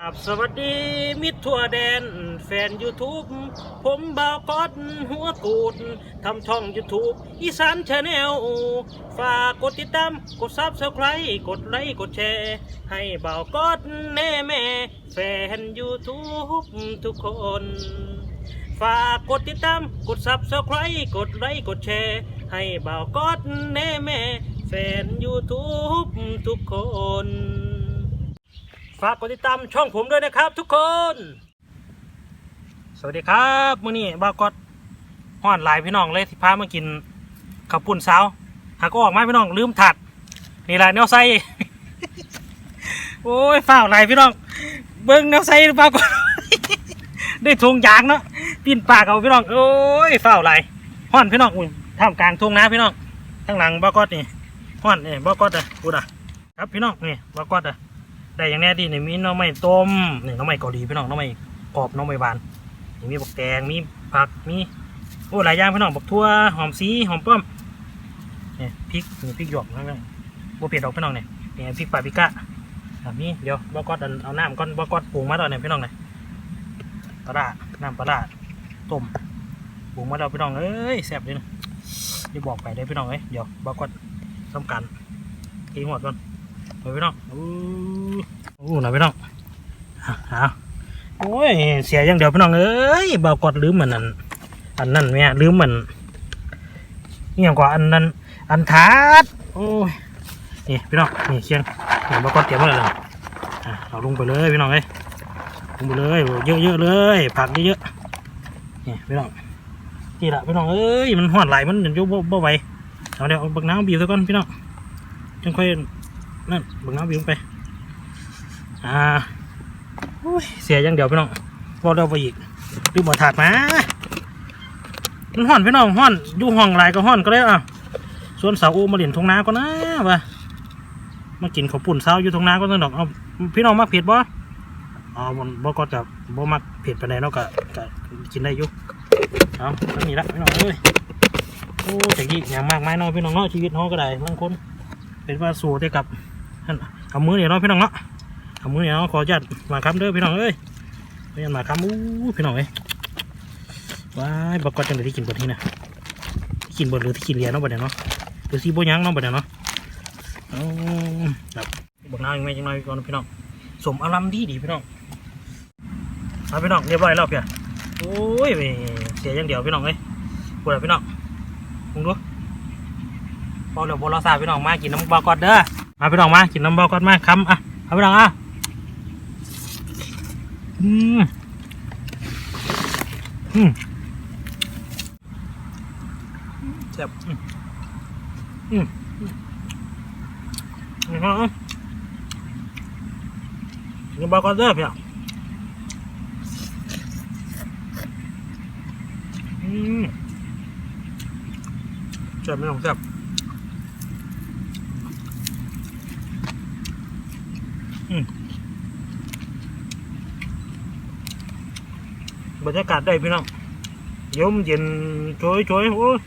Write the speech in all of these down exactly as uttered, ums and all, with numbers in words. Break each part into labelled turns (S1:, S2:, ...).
S1: ครับสวัสดีมิตรทั่วแดนแฟน YouTube ผมบ่าวก๊อตหัวกูดทำช่อง YouTube อีสานชาแนลฝากกดติดตามกดซับสไครต์กดไลค์กดแชร์ให้บ่าวก๊อตแน่แม่แฟน YouTube ทุกคนฝากกดติดตามกดซับสไครต์กดไลค์กดแชร์ให้บ่าวก๊อตแน่แม่แฟน YouTube ทุกคนฝากกดติดตามช่องผมด้วยนะครับทุกคนสวัสดีครับมื้อนี้บ่าวก๊อตฮ้อนหลายพี่น้องเลยที่พามากินข้าวปุ้นสาวหากก็ออกมาพี่น้องลืมถัดนี่แหละแนวใส่ โอ้ยฝ้าวหลายพี่น้องเบิ้งแนวใส่บ่าวก๊อต ได้ทงยางเนาะปีนปากเอาพี่น้องโอ้ยฝ้าวหลายฮ้อนพี่น้องอุ้ยท่ามกลางทุ่งนาพี่น้องข้างหลังบ่าวก๊อตนี่ฮ้อนนี่บ่าวก๊อตอ่ะพูดอ่ะครับพี่น้องนี่บ่าวก๊อตอ่ะได้อย่างแน่ดีนี่มีน้องไม้ต้มนี่น้องไม้เกาหลีพี่น้องน้องไม้กรอบน้องไม้บานนี่มีบักแตงมีผักมีโอ้หลายอย่างพี่น้องบักทั่วหอมสีหอมป้อมนี่พริกนี่พริกหยวกนั่นบัวเผ็ดดอกพี่น้องเนี่ยนี่พริกปาปริก้าแบบนี้เดี๋ยวบ่าวก๊อตเอาน้ำก้อนบ่าวก๊อตปรุงมาแล้วเนี่ยพี่น้องเนี่ยปลาร้าน้ำปลาร้าต้มปรุงมาแล้วพี่น้องเอ้ยแซ่บเลยนะเดี๋ยวบอกไปได้พี่น้องเอ้ยเดี๋ยวบ่าวก๊อตทำการตีหัวก่อนไปพี่น้องอู้อู้หน่อยพี่น้องฮะโอ้ยเสียอย่างเดียวพี่น้องเอ้ยเบากอดลืมเหมือนอันอันนั่นเนี่ยลืมเหมือนนี่อย่างกว่าอันนั้นอันทัดโอ้ยนี่พี่น้องนี่เชียงนี่เบากอดเตรียมไว้เลยอ่ะเราลงไปเลยพี่น้องเอ้ยลงไปเลยเยอะๆเลยผักเยอะๆนี่พี่น้องนี่แหละพี่น้องเอ้ยมันห่อนไหลมันยังยุ่งบ่ไหวเอาเดี๋ยวเอาบักน้ำบีบซะก่อนพี่น้องจังค่อยนั่นบังน้ำวิ่งไปอ่าเสียอย่างเดียวพี่น้องพอเราไปอีกดูหมดถาดมามันห่อนพี่น้องห่อนอยู่ห้องไรก็ห่อนก็ได้อ่ะส่วนสาวโอมาเล่นทงนาก็นะว่ะมากินข้าวปุ่นเช้าอยู่ทงนาก็ต้องดอกเอาพี่น้องมักเผ็ดบ่อ๋อบนบ่ก็จะบ่มักเผ็ดไปไหนเนาะก็ก็กินได้อยู่เอาก็มีละพี่น้องเอ้ยโอ้แต่กี้อย่างมากมายน้อยพี่น้องเนาะชีวิตน้องก็ได้บางคนเป็นว่าสู้ได้กับเอามือเนี่ยเนาะพี่น้องเนาะเอามือเนี่ยเนาะขอจัดมาคำเด้อพี่น้องเอ้ยไม่ยันมาคำอู้พี่น้องเอ้ยว้ายบักกอดจังเลยที่กินบดที่นะที่กินบดหรือที่กินเลียเนาะบดเนี่ยเนาะหรือซีโบยังเนาะบดเนี่ยเนาะแบบบดน้ำยังไม่จังเลยก่อนพี่น้องสมอารมณ์ดีดีพี่น้องเอาพี่น้องเรียบร้อยแล้วเพียโอ้ยเสียอย่างเดียวพี่น้องเอ้ยปวดพี่น้องมึงดูพอเดี๋ยวโบราณศาสตร์พี่น้องมากินน้ำบากอดเด้อมาพี่น้องมากินน้ำบากอดมาคำอ่ะเอาพี่น้องอ่ะอืมอืมแซ่บอืมอืมอืมน้ำบากอดเด้อพี่น้องอืมแซ่บพี่น้องแซ่บบรรยากาศได้พี่น้องยมเย็นช่วยช่วยโอ้ย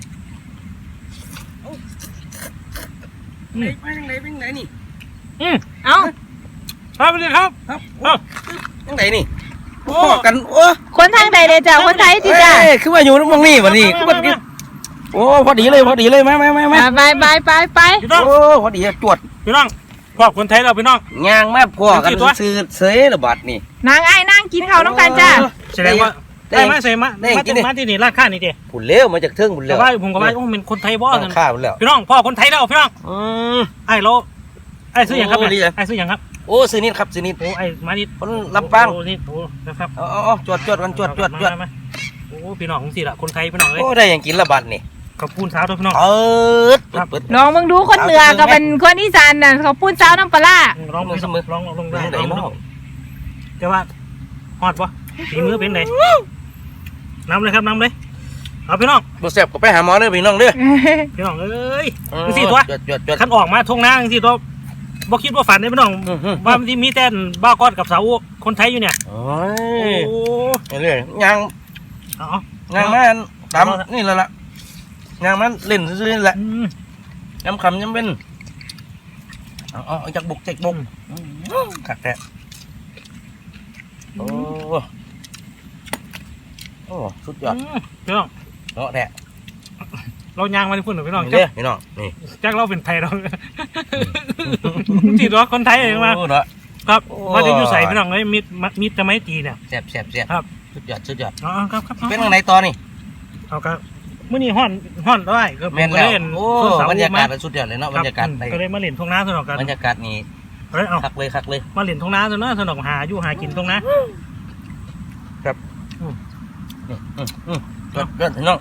S2: ไปทางไหนไปทางไหนนี่
S1: อืมเอาครับสวัสดีครับ
S2: ครับ
S1: เอ้า
S2: ทางไหนนี่โอ้กันโอ้
S3: คนทางใดเลยจ้ะคนไทยจีจ้ะ
S2: คือว่าอยู่ตรงนี้วันนี้คือว่าโอ้พอดีเลยพอดีเลยไหมไหมไหมไหม
S3: ไปไปไปไป
S2: โอ้พอดีจวด
S1: พี่น้องพวกคนไทยเราพี่น้อง
S2: ยางแม่พวกกันซื้อเสยระบาดนี่
S3: นางไอ้นั่งกินข้าวน้องกันจ้ะ
S1: แสดงว่าได้ไหมใส่มามาที่มาที่นี่ร้านข้านี่เจ้
S2: ผุนเลี้ยวมาจากเทิงผุนเลี้ยว
S1: แต่ว่าผมก็ว่าโอ้เป็นคนไทยบ่กัน
S2: ข้าผุนเลี้ยว
S1: พี่น้องพ่อคนไทยแล้วพี่น้องอืมไอ้โลไอ้ซื้ออย่างครับไอ้ซื้ออย่างครับ
S2: โอ้ซื้อนิดครับซื้อนิด
S1: โอ้ไอ้มานิด
S2: คนลำปาง
S1: โอ้นิดโอ้นะครับ
S2: อ๋อจวดจวดกันจวดจวดจวด
S1: โอ้พี่น้องสิละคนไทยพี่น้องเลย
S2: โอ้ได้อย่างกินระบาดนี่
S1: ข้าวปุ้นเช้าด้วยพี่น้อง
S2: เออ
S3: ลองมึงดูคนเหนือก็เป็นคนอีสานน่ะเขาพูดเช้าน้ำปลา
S1: ร้องเสมอร้องลงได้ร้องแต่ว่าฮอดปะฝีมือเป็นไงน้ำเลยครับน้ำเลยเอาพี่น้อง
S2: บ่แซ่บก็ไปหาหมอเด้อพี่น้องเด้อ
S1: พี่น้องเอ้ยสิตัวขันออกมาทงน้าสิตัวบ่คิดว่าฝันเลยพี่น้องว่ามันมีแต่บ้ากอดกับสาวคนไทยอยู่เนี่ย
S2: โอ้ยเรื่อยยาง
S1: อ๋
S2: อยางมันตามนี่แหละละยางมันเล่นซื่อๆนี่แหละย้ำคำย้ำเป็นเอาเอาจากบุกจากบุกขัดแท้โอ้สุดยอด
S1: พี่น้อง
S2: เนาะแท้
S1: เรายางมาที่พุ่นหรือพี่น้อง
S2: เด้อพี่น้องนี่
S1: แจ็คเราเป็นไทยเราจีตัวคนไทยเองมา
S2: โอ้เนาะ
S1: ครับมาจะอยู่ใส่พี่น้องเลยมิดมิดจะไม่ตีเนี่ย
S2: แซ่บแซ่บแซ่บ
S1: ครับ
S2: สุดยอดสุดยอด
S1: อ๋อครับครับ
S2: เป็นทางไหนต่อนี่
S1: เอาครับเมื่อนี้ห่อนห่อนได้ก็
S2: แม่น
S1: ก็
S2: แล้ว
S1: เล่น
S2: โอ้บรรยากาศมันสุดยอดเลยเนาะบรรยากาศ
S1: ก็เลยมาเล่นทงน้าสนอกกัน
S2: บรรยากาศนี่
S1: เฮ้ยเอา
S2: คักเลยคักเลย
S1: มาเล่นทงน้าสนอกสนอกหาอยู่หากินตรงนะ
S2: นี่อืมอืมยอดยอดพี่น้อง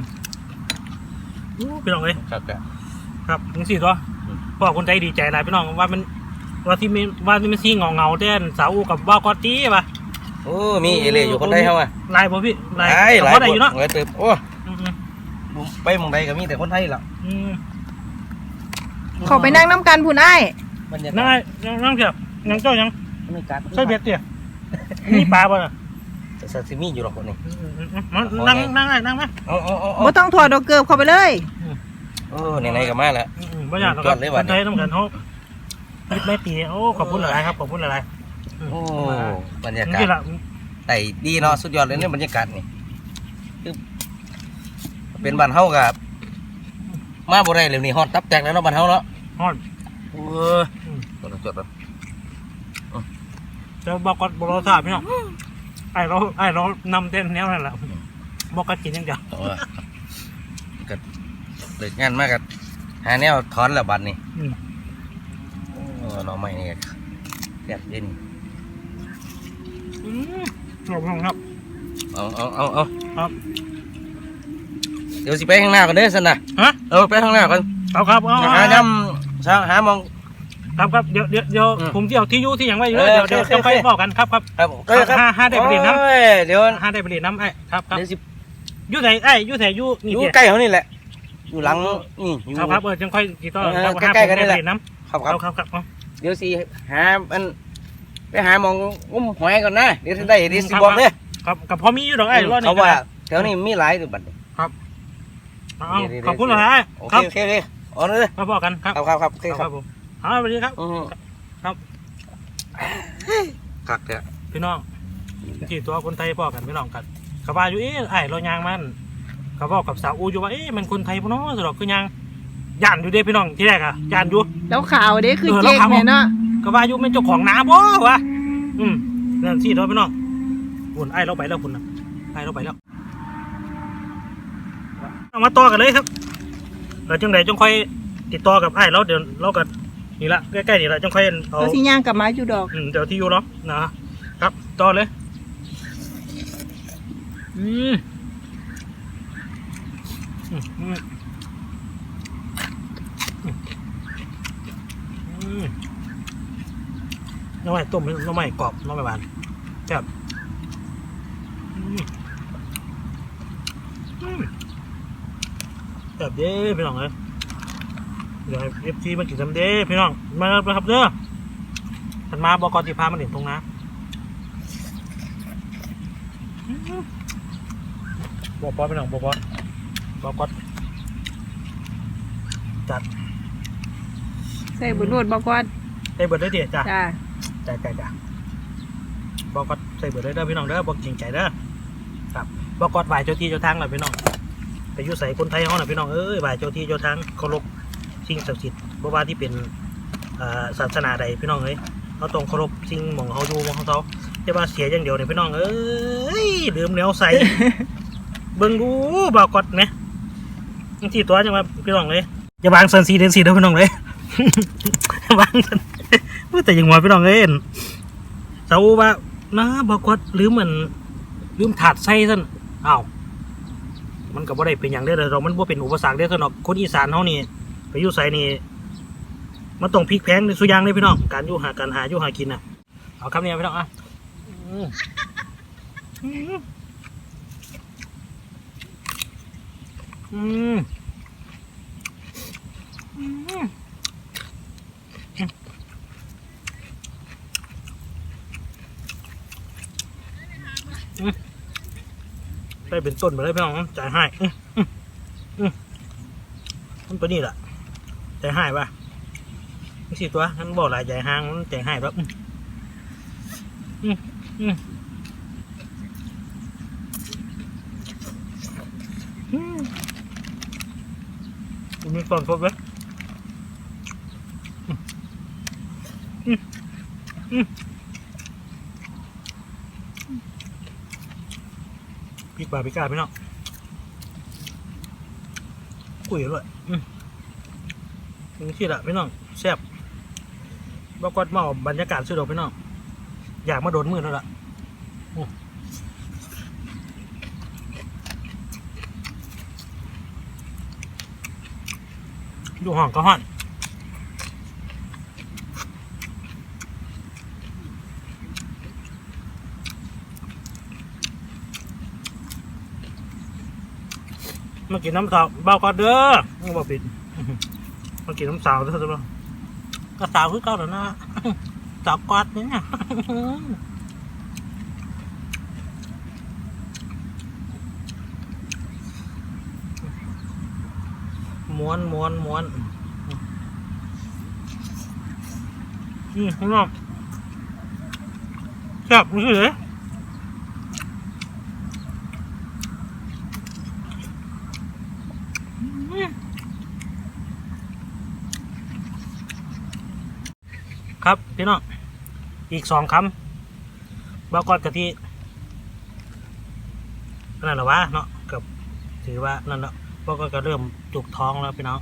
S1: พี่น้องเลย
S2: ครับครับ
S1: ครับถึงสี่ตัวพ่อคนใจดีใจหลายพี่น้องว่ามันว่าที่มีว่าที่มันซีเงาเงาเต้นสาวกับว่ากอตีป่ะ
S2: โอ้มีเอเล่อยู่คนใดเฮาอ่ะ
S1: ลายบ่พี่ลาย
S2: หลายหลาย
S1: เขาได้อยู่เนาะ
S2: หลายเติบโอ้
S1: อืม
S2: ไปหมองใดก็มีแต่คนไทยล่ะ
S1: อืม
S3: เขาไปนั่งน้ำกันพูนไอ้
S2: บรรยา
S1: นั่ง
S2: กา
S1: ไง
S2: ศ
S1: นั่งเถอะนั่งเจ้ายัง
S2: บรรยากาศ
S1: ใช่เบ็ดเตี่ยนี่ปลาป่ะ
S2: ซาซิมิอยู่หรอกคนนี้
S1: นั่งนั่งไงนั่งไหม
S2: เอาเอาเอาเอา
S3: บ่ต้องถอดดอกเกือบเข้าไปเลย
S2: โอ้ไหนๆก็มาแล้ว
S1: บ่อยากคนไทยต้องกันเขาไม่ตีโอ้ขอบคุณหลายครับขอบคุณหลาย
S2: โอ้บรรยา
S1: ๆ
S2: กาศ
S1: นี่แหละ
S2: แต่ดีเนาะสุดยอดเลยเนี่ยบรรยากาศนี่คือเป็นบ้านเฮากับมาบ่ได้เลยนี่ฮอดตับแตกแล้วเนาะบ้านเฮาเนาะ
S1: ฮ้อน
S2: โอ้ยจดจด
S1: จะบอกก่อนบอกเราทราบพี่น้องไอ้เราไอ้เรานำเต้นแนวนั่นแหละบอกกันกินยังเดียว
S2: โอ้ยก็เลิกงานมากกับหาแนวถอนแล้วบัดนี่โอ้เราไม่นี่แซ่บเด่น
S1: อืมขอบคุณครับ
S2: เอาเอาเอาเอา
S1: ครับ
S2: เดี๋ยวสิไปข้างหน้าก่อนเด้อสันนะ
S1: ฮะ
S2: เออไปข้างหน้าก่อน
S1: เอาครับเอา
S2: หาดำหามอง
S1: ครับครับเดี๋ยวเดี๋ยวเดี๋ยว
S2: อืม
S1: ผมที่เอาที่อยู่ที่ยังไว้อยู่
S2: เออ
S1: เดี๋ยวเดี๋ยว
S2: โอเค
S1: จะไป
S2: โอเค
S1: บอกกันครับครับ
S2: ครับ
S1: ห้าห้าได้ไปเรียนน้ำ
S2: โอ้ยเดี๋ยว
S1: ห้าได้ไปเรียนน้ำไอ้ครับครับ
S2: เดี๋ยวสิ
S1: อยู่ไหนไอ้อยู่ไหนอยู่
S2: อ
S1: นี่
S2: ยู่
S1: เดี๋ยว
S2: ใกล้เขานี่แหละ อยู่หลังนี่อยู่
S1: ครับครับเออจังค่อยกี่ต่อ
S2: เออ
S1: ครับ
S2: ใกล้ๆกันนี่แหละ
S1: ห้าผมได้ไปเรียนน้
S2: ครับ
S1: ำ
S2: ครับ
S1: ครับครับครับ
S2: เดี๋ยวสิหาอันไปหามองงุ้มหอยก่อนนะเดี๋ยวสิได้เดี๋ยวสิบอกเลย
S1: ครับกับพอมีอยู่ดอกไอ้รอดนี่
S2: เขาว่าแถวนี้มีหลายตัวบัดนี้
S1: เอา
S2: เดี๋ยวๆ
S1: ขอบคุณหลาย
S2: โอ
S1: ครับ
S2: เคโอเคโอเคเอ๋อเลย
S1: มาบอกกันครับ
S2: ครับครับครับโอเค
S1: ค
S2: ค
S1: รั
S2: รั
S1: บบ ผมเอาสวัสดีครับ
S2: อืม
S1: ครับ
S2: คักเนี่ย
S1: พี่น้องที่ตัวคนไทยบอกกันพี่น้องกันเขาว่าอยู่เอ๊ะไอ้เรายางมันเขาบอกกับสาวอูอยู่ว่าเอ๊ะมันคนไทยปะเนาะสำหรับคือยางย่านอยู่เด้พี่น้องที่แรกอะย่านอยู่
S3: แล้วข่าวเด้คือ
S1: เออ
S3: เจ๊ก
S1: แล้วข่าว
S3: เนี่ยเนาะ
S1: ก็ว่าอยู่เป็นเจ้าของนาบ่วะอืมนั่นสิตัวพี่น้องคุณไอ้เราไปแล้วคุณนะไอ้เราไปแล้วเอามาต่อกันเลยครับแล้วจังใดจังค่อยติดต่อกับไอ้เราเดี๋ยวเรากันนี่ละใกล้ๆนี่ละจังค่อยเอา
S3: แล้วสิย่างกลับมาอยู่ดอก
S1: อืมเดี๋ยวที่อยู่เนาะนะครับต่อเลยอืมอืมอืมอืมน้ำมันต้มน้ำมันกรอบน้ำมันหวานแซ่บอืมอืมแซ่บเด้พี่น้องเลยเดี๋ยวเอฟซีมากินซ้ำเด้พี่น้องมาเลยครับเด้อฉันมาบอกกอนที่พามาเด่นตรงน้ำบอกปอพี่น้องบอกปอบอกกอนจัด
S3: ใส่บุญรวดบอกว่า
S1: ใส่เบิร์ดได้ดิจ้ะ
S3: จ้า
S1: จ้ะจ้ะจ้ะบอกกอนใส่เบิร์ดได้เด้อพี่น้องเด้อบอกจริงใจเด้อครับบอกกอนไหวเจ้าที่เจ้าทางหน่อยพี่น้องไปอยุ่ใส่คนไทยเขาหน่อยพี่น้องเอ้ยไหวเจ้าที่เจ้าทางเคารพสิ่งศักดิ์สิทธิ์บ่ว่าที่เป็นอ่าศาสนาใดพี่น้องเอ้ยเขาต้องเคารพสิ่งหม่องเขาอยู่หม่องเขาแต่ว่าเสียอย่างเดียวเนี่ยพี่น้องเอ้ยลืมแล้วใส่ เบิ่งดูบ่าวกดไหมที่ตัวจังว่าพี่น้องเลยอย่าวางสันสีเดนสีเด้อพี่น้องเลย วางสันแต่ยังว่าพี่น้องเลยเสาว่านะบ่าวกดลืมเหมือนลืมถาดใส่ซั่นอ้าวมันก็บ่ได้เป็นอย่างเด้อเรามันบ่เป็นอุปสรรคเด้อสำหรับคนอีสานเฮานี่ไปอยู่ไสนี่มันต้องพลิกแพลงในสุอย่างเลยพี่น้องการอยู่หาการหาอยู่หากินน่ะเอาคำนี้พี่น้องอ่ะอืมอืมอืมอืมอืมไปเป็นต้นไปเลยพี่น้องจ่ายให้อืมอืมอืมมันตัวนี้แหละจ่ายให้ป่ะนี่สิตัวนั้นบอกหลายจ่ายห้างมันจ่ายให้ป่ะอืมอืมอืมมีส่วนครบไหมอืมอืมพี่ป่าพี่กาพี่น้องคุยด้วยอืมนี่สิละพี่น้องแซ่บบอกก่อนมาบรรยากาศสุดอกพี่น้องอยากมาโดนมือแล้วล่ะดูห้องก็ห้อนมากินน้ำสาวเบาก่อนเด้อไม่บอกผิดมากินน้ำสาวเด้อจ้ะก็สาวคือเก่าแล้วนะสาวกอดเนี่ยม้วนม้วนม้วนอืมพี่น้องแซ่บนี่เลยครับพี่น้องอีกสองคำบอกก่อนกะทินั่นแหละวะเนาะกับถือว่านั่นแหละบอกก็เริ่มจุกท้องแล้วพี่น้อง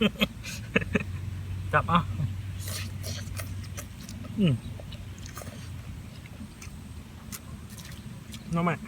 S1: จับอ่ะอืมน้องใหม่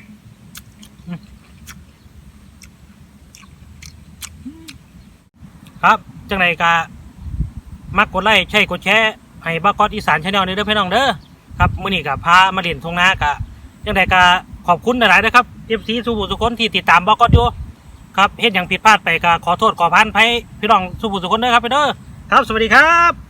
S1: ครับจังไรกะมักกดไลค์ใช่กดแชร์ให้บ้ากอดอีสานชาแนลนี้เด้อพี่น้องเด้อครับมื้อนี้กับพามาเล่นทงนากะจังไรกะขอบคุณหลายๆนะครับ เอฟ ซี สุบุสุคนที่ติดตามบ้ากอดอยู่ครับเฮ็ดอย่างผิดพลาดไปก็ขอโทษขออภัยพี่น้องสุบุสุคนเด้อครับไปเด้อครับสวัสดีครับ